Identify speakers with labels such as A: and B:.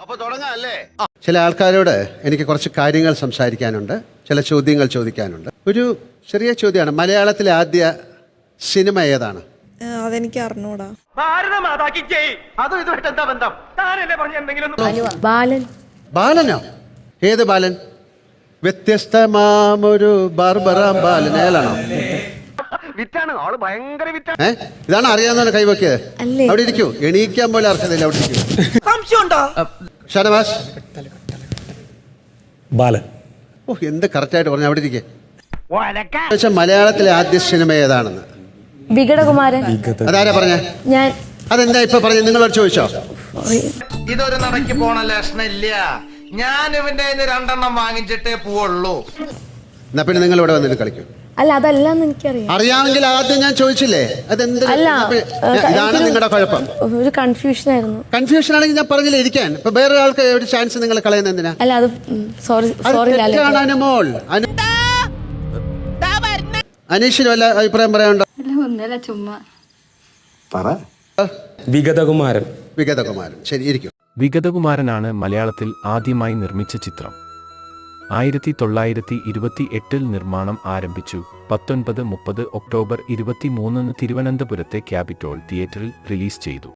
A: ചില ആൾക്കാരോട് എനിക്ക് കുറച്ച് കാര്യങ്ങൾ സംസാരിക്കാനുണ്ട്, ചില ചോദ്യങ്ങൾ ചോദിക്കാനുണ്ട്. ഒരു ചെറിയ ചോദ്യമാണ്, മലയാളത്തിലെ ആദ്യ സിനിമ ഏതാണ്?
B: അതെനിക്ക് അറിഞ്ഞൂടാ.
A: ബാലനോ? ഏത് ബാലൻ? വ്യത്യസ്തമാമൊരു ബാർബറാം ബാലൻ അയാളാണോ? ഇതാണ് അറിയാവുന്ന കൈവക്കിയത്. അവിടെ ഇരിക്കൂ, എണീക്കാൻ പോലെ അർഹതയില്ല. അവിടെ ഇരിക്കൂ. ഷാനവാസ്
C: ബാലൻ.
A: ഓ, എന്ത് കറക്റ്റായിട്ട് പറഞ്ഞു. അവിടെ ഇരിക്കേ. മലയാളത്തിലെ ആദ്യ സിനിമ ഏതാണെന്ന്?
D: വികടകുമാരൻ.
A: അതാരാ പറഞ്ഞ?
D: ഞാൻ.
A: അതെന്താ ഇപ്പൊ പറഞ്ഞു? നിങ്ങളോട് ചോദിച്ചോ?
E: ഇതൊരു നടക്ക് പോണ ലക്ഷണില്ല. ഞാൻ ഇവന്റെ രണ്ടെണ്ണം വാങ്ങിച്ചിട്ടേ പോവുള്ളൂ.
A: എന്നാ പിന്നെ നിങ്ങൾ ഇവിടെ വന്നിട്ട് കളിക്കും.
D: അല്ല, അതല്ലാന്ന് എനിക്കറിയാം.
A: അറിയാമെങ്കിൽ ആദ്യം ഞാൻ ചോദിച്ചില്ലേ? അതെന്ത്? ഇതാണ് നിങ്ങളുടെ കുഴപ്പം.
D: ഒരു കൺഫ്യൂഷൻ ആയിരുന്നു.
A: കൺഫ്യൂഷൻ ആണെങ്കിൽ ഞാൻ പറഞ്ഞില്ല ഇരിക്കാൻ. ഇപ്പൊ വേറെ ആൾക്ക് ഒരു ചാൻസ് നിങ്ങൾ കളയുന്ന എന്തിനാ?
D: അല്ല, അത് സോറി.
A: അനുമോൾ, അനീഷിന് വല്ല അഭിപ്രായം പറയാനുണ്ടോ?
D: ചുമ്മാ
C: വിഗതകുമാരൻ.
A: വിഗതകുമാരൻ, ശരി, ഇരിക്കും.
F: വിഗതകുമാരനാണ് മലയാളത്തിൽ ആദ്യമായി നിർമ്മിച്ച ചിത്രം. 1928 നിർമ്മാണം ആരംഭിച്ചു. 1930 ഒക്ടോബർ 23 തിരുവനന്തപുരത്തെ ക്യാപിറ്റോൾ തിയേറ്ററിൽ റിലീസ് ചെയ്തു.